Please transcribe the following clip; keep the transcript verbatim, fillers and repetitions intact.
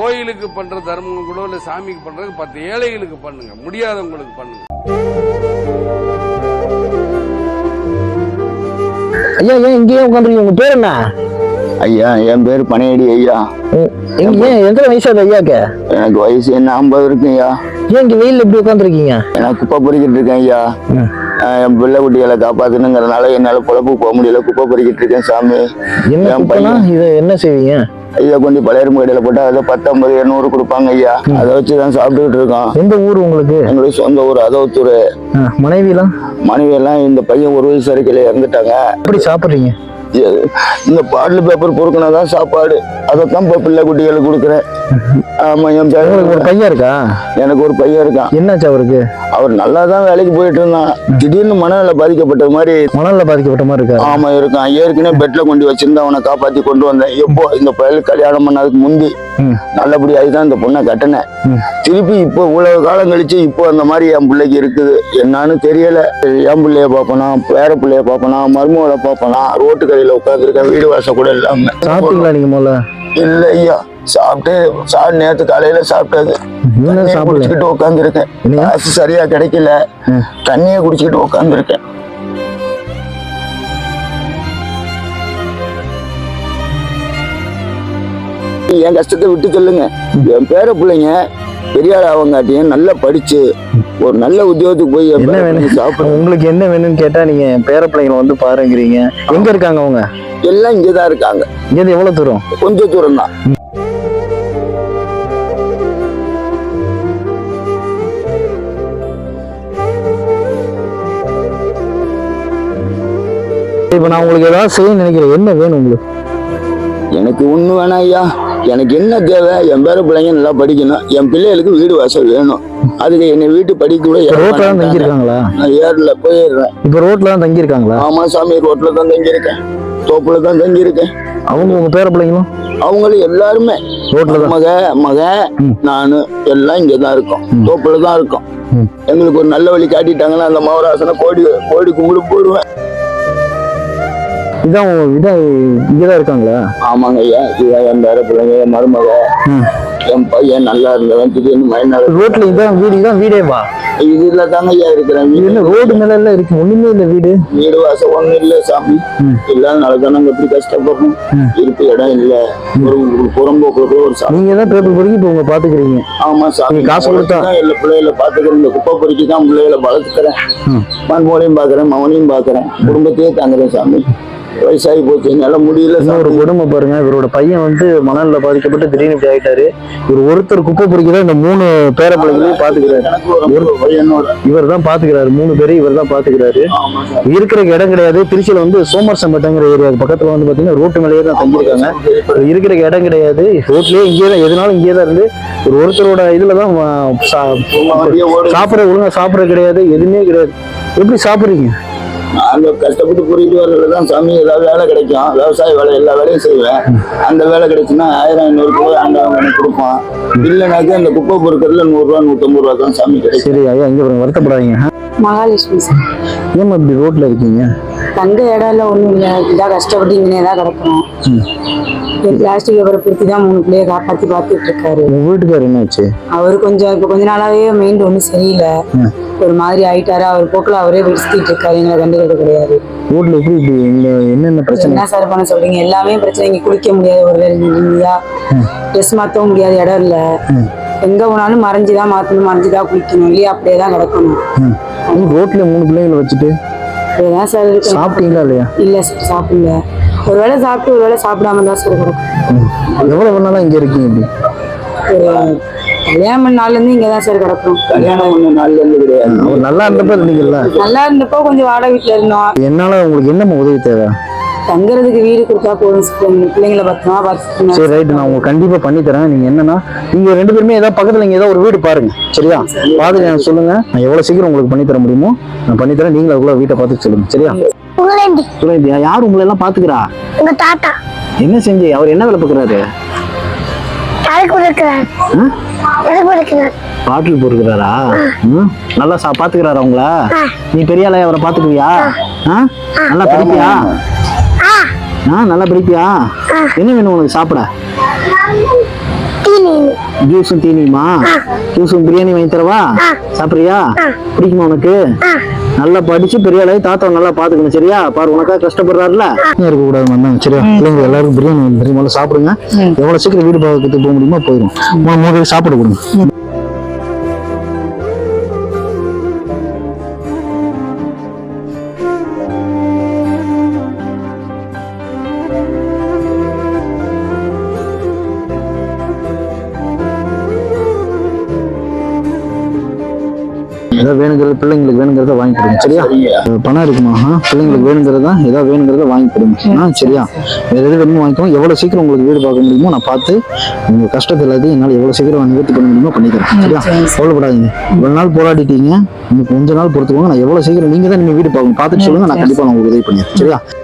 கோயிலுக்கு பண்ற தர்மம் கூட இல்ல சாமிக்கு பண்றது பத்து ஏழைகளுக்கு பண்ணுங்க, முடியாதவங்களுக்கு பண்ணுங்க. ஐயா ஏன் இங்கேயே உட்காந்துருக்கீங்க? உங்க பேர் என்ன? ஐயா என் பேர் பனையடி ஐயா. எங்க ஏன் எத்தனை வயசாது ஐயாக்கு? எனக்கு வயசு என்ன ஐம்பது இருக்குங்க ஐயா. ஏன் இங்க வெயில் எப்படி உட்காந்துருக்கீங்க? நான் குப்பை பொறிக்கிட்டு இருக்கேன் ஐயா. என் பிள்ளை குட்டிகளை காப்பாத்தணுங்கிறதுனால என்னால பொழப்பு போக முடியல, குப்பை பொறிக்கிட்டு இருக்கேன் சாமி. என்ன குப்பைனா இதை என்ன செய்வீங்க? இதை கொண்டு பழையரும் கடையில போட்டா அதை பத்தொன்பது எண்ணூறு கொடுப்பாங்க ஐயா. அதை வச்சுதான் சாப்பிட்டுக்கிட்டு இருக்கோம். எந்த ஊர் உங்களுக்கு? எங்களுக்கு சொந்த ஊர் அதோத்தூர். மனைவி எல்லாம்? மனைவி எல்லாம் இந்த பையன் ஒரு வயசு வரைக்கும் இறந்துட்டாங்க. எப்படி சாப்பிடுறீங்க? இந்த பாட்டில் பேப்பர் பொறுக்கினாதான் சாப்பாடு, அதைத்தான் இப்போ பிள்ளை குட்டிகளுக்கு கொடுக்குறேன். ஆமா என் பேர். ஒரு பையன் இருக்கா? எனக்கு ஒரு பையன் இருக்கான். என்னாச்சு அவருக்கு? அவர் நல்லா தான் வேலைக்கு போயிட்டு இருந்தான். திடீர்னு மனநல பாதிக்கப்பட்டது மாதிரி. மனநல பாதிக்கப்பட்ட மாதிரி இருக்கா? ஆமா இருக்கான். ஏற்கனவே பெட்ல கொண்டு வச்சிருந்தா அவனை காப்பாத்தி கொண்டு வந்தேன். எப்போ இந்த பையல் கல்யாணம் பண்ணதுக்கு முந்தி நல்லபடியாகி தான் இந்த பொண்ணை கட்டினேன். திருப்பி இப்போ இவ்வளவு காலம் கழிச்சு இப்போ அந்த மாதிரி என் பிள்ளைக்கு இருக்குது. என்னன்னு தெரியல. என் பிள்ளைய பாப்பனா, பேர பிள்ளைய பாப்பனா, மருமகளை பாப்பனா, ரோட்டு கடையில உட்காந்துருக்கேன், வீடு வாசம் கூட இல்லாம. சாப்பிட்டீங்களா நீங்க முதல்ல? இல்ல ஐயா, சாப்பிட்டு சா நேற்று காலையில சாப்பிட்டது குடிச்சுக்கிட்டு உட்காந்துருக்கேன். காசு சரியா கிடைக்கல, தண்ணியை குடிச்சுக்கிட்டு உட்காந்துருக்கேன். என் கஷ்டத்தை விட்டு சொல்லுங்க. என் பேர பிள்ளைங்க பெரிய ஆள் அவங்காட்டியும் நல்லா படிச்சு ஒரு நல்ல உத்தியோகத்துக்கு போய் என்ன வேணும் சாப்பிட. உங்களுக்கு என்ன வேணும்னு கேட்டா நீங்க பேர பிள்ளைங்களை வந்து பாருங்கிறீங்க. எங்க இருக்காங்க அவங்க? எல்லாம் இங்கதான் இருக்காங்க. இங்க எவ்வளவு தூரம்? கொஞ்சம் தூரம் தான். இப்ப நான் உங்களுக்கு ஏதாவது செய்ய நினைக்கிறேன். என்ன வேணும் உங்களுக்கு? எனக்கு ஒண்ணு வேணாம் ஐயா. எனக்கு என்ன தேவை, என் பேர பிள்ளைங்க நல்லா படிக்கணும், என் பிள்ளைகளுக்கு வீடு வாசல் வேணும். அதுக்கு என்னை வீட்டு படிக்க கூட ரோட்ல தான் தங்கி இருக்காங்களா? நான் ஏர்ல போயிடுறேன். இப்ப ரோட்ல தான் தங்கி இருக்காங்களா? ஆமா சாமி, ரோட்ல தான் தங்கி இருக்கேன், தோப்புல தான் தங்கி இருக்கேன். அவங்க உங்க பேர பிள்ளைங்களும்? அவங்களும் எல்லாருமே ரோட்ல தான். மக மக நானு எல்லாம் இங்கதான் இருக்கோம், தோப்புல தான் இருக்கோம். எங்களுக்கு ஒரு நல்ல வழி காட்டிட்டாங்கன்னா அந்த மௌராசனை கோடி கோடி கும்பிடு போடுவேன். இதான் இதான் இங்கதான் இருக்காங்களா? ஆமாங்க ஐயா. இதான் என் பேர பிள்ளைங்க, என் மருமக, என் பையன் நல்லா இருந்தவன் திடீர்னு மைனால. ரோட்ல இதான் வீடு? இதான் வீடே வா? இதுல தாங்க ஐயா இருக்கிறேன். என்ன ரோடு மேல எல்லாம் இருக்கு, ஒண்ணுமே இல்ல வீடு. வீடு வாசம் ஒண்ணும் இல்ல சாமி. இல்லாதனாலதான் நாங்க எப்படி கஷ்டப்படுறோம். இருப்பு இடம் இல்ல, ஒரு புறம்போக்கு ஒரு சாமி. நீங்க தான் பேப்பர் பொறுக்கி இப்ப உங்க பாத்துக்கிறீங்க? ஆமா சாமி, காசு கொடுத்தா எல்லா பிள்ளைகளை பாத்துக்கிறேன். இந்த குப்பை பொறுக்கி தான் பிள்ளைகளை வளர்த்துக்கிறேன். மண்மோலையும் பாக்குறேன், மவனையும் பாக்குறேன், குடும்பத்தையே தாங்குறேன் சாமி. வயசாகி போச்சு, என்னால முடியல. ஒரு கொடுமை பாருங்க, இவரோட பையன் வந்து மணல்ல பாதிக்கப்பட்டு திடீர்னு இப்படி ஆயிட்டாரு. இவர் ஒருத்தர் குப்பை பொறுக்கிதான் இந்த மூணு பேர பிள்ளைகளையும் பாத்துக்கிறாரு. இவர் தான் பாத்துக்கிறாரு, மூணு பேரும் இவர் தான் பாத்துக்கிறாரு. இருக்கிற இடம் கிடையாது. திருச்சியில வந்து சோமர் சம்பட்டங்கிற ஏரியா பக்கத்துல வந்து பாத்தீங்கன்னா ரோட்டு மேலேயே தான் தங்கியிருக்காங்க. இருக்கிற இடம் கிடையாது, ரோட்லயே இங்கே தான், எதுனாலும் இங்கே தான் இருந்து ஒரு ஒருத்தரோட இதுலதான் சாப்பிட, ஒழுங்கா சாப்பிட கிடையாது, எதுவுமே கிடையாது. எப்படி சாப்பிடுறீங்க? நாங்க கஷ்டப்பட்டு புரிஞ்சு வரதுலதான் சாமி. ஏதாவது வேலை கிடைக்கும், விவசாய வேலை எல்லா வேலையும் செய்வேன். அந்த வேலை கிடைச்சுன்னா ஆயிரம் ஐநூறு ரூபாய் ஆண்டவங்க எனக்கு கொடுப்பான். இல்லைனாக்கா அந்த குப்பை பொறுக்கிறதுல நூறு ரூபா நூத்தம்பது ரூபா தான் சாமி கிடைக்கும். சரி ஐயா, இங்க வருத்தப்படாதீங்க. மகாலட்சுமி சார். ஏமா இப்படி ரோட்ல இருக்கீங்க? தங்க இடம் இல்லை, ஒன்றும் இல்லை. இதாக கஷ்டப்பட்டு இங்கே தான் கிடக்கணும். பிளாஸ்டிக் பேப்பரை பிடிச்சி தான் மூணு பிள்ளைய காப்பாற்றி பார்த்துட்டு இருக்காரு. உங்க வீட்டுக்காரர் என்னாச்சு? அவரு கொஞ்சம் இப்போ கொஞ்ச நாளாவே மைண்ட் ஒன்றும் சரியில்லை, ஒரு மாதிரி ஆயிட்டாரு. அவர் போக்கில் அவரே விடுத்திட்டு இருக்காரு, எங்களை கண்டுக்கிறது கிடையாது. ரோட்ல எப்படி இப்படி என்னென்ன பிரச்சனை? என்ன சார் பண்ண சொல்றீங்க? எல்லாமே பிரச்சனை. இங்கே குளிக்க முடியாது, ஒரு இல்லையா ட்ரெஸ் மாற்றவும் முடியாது, இடம் இல்லை. எங்க போனாலும் மறைஞ்சுதான் மாற்றணும், மறைஞ்சுதான் குளிக்கணும், இல்லையா அப்படியே தான் கிடக்கணும். ரோட்ல மூணு பிள்ளைங்களை வச்சுட்டு அப்படியேதான் சார் இருக்கு. சாப்பிட்டீங்களா இல்லையா? இல்லை சார், சாப்பிடல. ஒரு வேளை சாப்பிட்டு ஒரு வேளை சாப்பிடாம தான் சார் கிடக்கும். எவ்வளவு நாளா இங்க இருக்கீங்க? இப்படி கல்யாணம் பண்ண நாள்ல இருந்து இங்கதான் சார் கிடக்கும். கல்யாணம் பண்ண நாள்ல இருந்து கிடையாது. அவர் நல்லா இருந்தப்ப இருந்தீங்கல்ல? நல்லா இருந்தப்போ கொஞ்சம் வாடகை வீட்டுல இருந்தோம். என்னால உங்களுக்கு என்ன உதவி தேவை? தங்குறதுக்கு வீடு கொடுத்தா போதும், பிள்ளைங்களை பத்திரமா பார்த்துக்கணும். சரி ரைட், நான் உங்களுக்கு கண்டிப்பா பண்ணி தரேன். நீங்க என்னன்னா நீங்க ரெண்டு பேருமே ஏதாவது பக்கத்துல இங்க ஏதாவது ஒரு வீடு பாருங்க, சரியா? பாத்துட்டு எனக்கு சொல்லுங்க, நான் எவ்வளவு சீக்கிரம் உங்களுக்கு பண்ணி தர முடியுமோ நான் பண்ணி தரேன். நீங்களும் அதுக்குள்ள வீட்டை பார்த்து சொல்லுங்க, சரியா? சுரேந்தியா, யார் உங்களை எல்லாம் பாத்துக்கிறா? உங்க தாத்தா. என்ன செஞ்சு அவர் என்ன வேலை பார்க்கறாரு? பாட்டில் பொறுக்கிறாரா? நல்லா சா பாத்துக்கிறாரா உங்கள? நீ பெரிய ஆளா அவரை பாத்துக்குவியா? நல்லா படிப்பியா? ஆ நல்லா படிப்பியா? என்ன வேணும் உனக்கு சாப்பிட? ஜூஸும் தீனியுமா? ஜூஸும் பிரியாணி வாங்கி தரவா? சாப்பிடுறியா? பிடிக்குமா உனக்கு? நல்லா படிச்சு பெரிய ஆளாகி தாத்தாவை நல்லா பாத்துக்கணும் சரியா? பாரு உனக்கா கஷ்டப்படுறாருல, இருக்க கூடாது வந்தாங்க சரியா? பிள்ளைங்க எல்லாருக்கும் பிரியாணி வாங்கி தரேன். முதல்ல சாப்பிடுங்க. எவ்வளவு சீக்கிரம் வீடு பார்க்கறதுக்கு போக முடியுமோ போயிடும். மூணு பேருக்கு சாப்பிட கொடுங்க. ஏதாவது வேணுங்கிறது பிள்ளைங்களுக்கு வேணுங்கிறத வாங்கி கொடுங்க சரியா? பணம் இருக்குமா? பிள்ளைங்களுக்கு வேணுங்கிறதா ஏதாவது வேணுங்கிறத வாங்கி கொடுங்க. ஆ சரியா? வேற எது வேணுமோ வாங்கிக்கோங்க. எவ்வளவு சீக்கிரம் உங்களுக்கு வீடு பார்க்க முடியுமோ நான் பார்த்து உங்க கஷ்டத்தை எல்லாத்தையும் என்னால் எவ்வளவு சீக்கிரம் நிவர்த்தி பண்ண முடியுமோ பண்ணிக்கிறேன் சரியா? கவலைப்படாதீங்க. இவ்வளவு நாள் போராடிட்டீங்க, இன்னும் கொஞ்ச நாள் பொறுத்துக்கோங்க. நான் எவ்வளவு சீக்கிரம் நீங்க தான் நீங்க வீடு பார்க்கணும், பார்த்துட்டு சொல்லுங்க. நான் கண்டிப்பா நான் உங்களுக்கு உதவி பண்ணிடுறேன் சரியா?